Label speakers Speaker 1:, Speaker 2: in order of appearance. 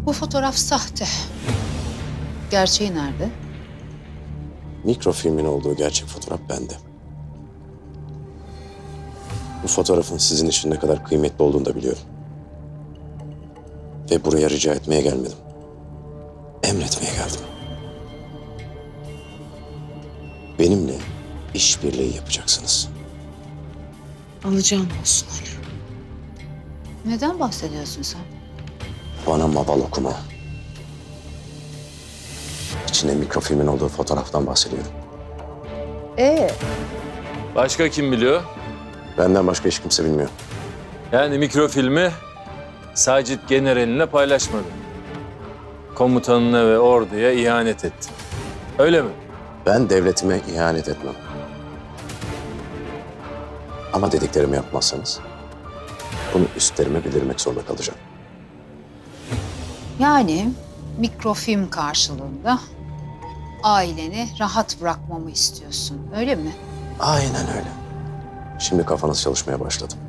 Speaker 1: Bu fotoğraf sahte. Gerçeği nerede?
Speaker 2: Mikrofilmin olduğu gerçek fotoğraf bende. Bu fotoğrafın sizin için ne kadar kıymetli olduğunu da biliyorum. Ve buraya rica etmeye gelmedim. Emretmeye geldim. Benimle işbirliği yapacaksınız.
Speaker 3: Alacağım olsun Ali.
Speaker 1: Neden bahsediyorsun sen?
Speaker 2: Bana maval okuma. İçinde mikrofilmin olduğu fotoğraftan bahsediyorum.
Speaker 4: Başka kim biliyor?
Speaker 2: Benden başka hiç kimse bilmiyor.
Speaker 4: Yani mikrofilmi Sacit generaline paylaşmadı. Komutanına ve orduya ihanet etti. Öyle mi?
Speaker 2: Ben devletime ihanet etmem. Ama dediklerimi yapmazsanız bunu üstlerime bildirmek zorunda kalacağım.
Speaker 1: Yani mikrofilm karşılığında aileni rahat bırakmamı istiyorsun, öyle mi?
Speaker 2: Aynen öyle. Şimdi kafanız çalışmaya başladı.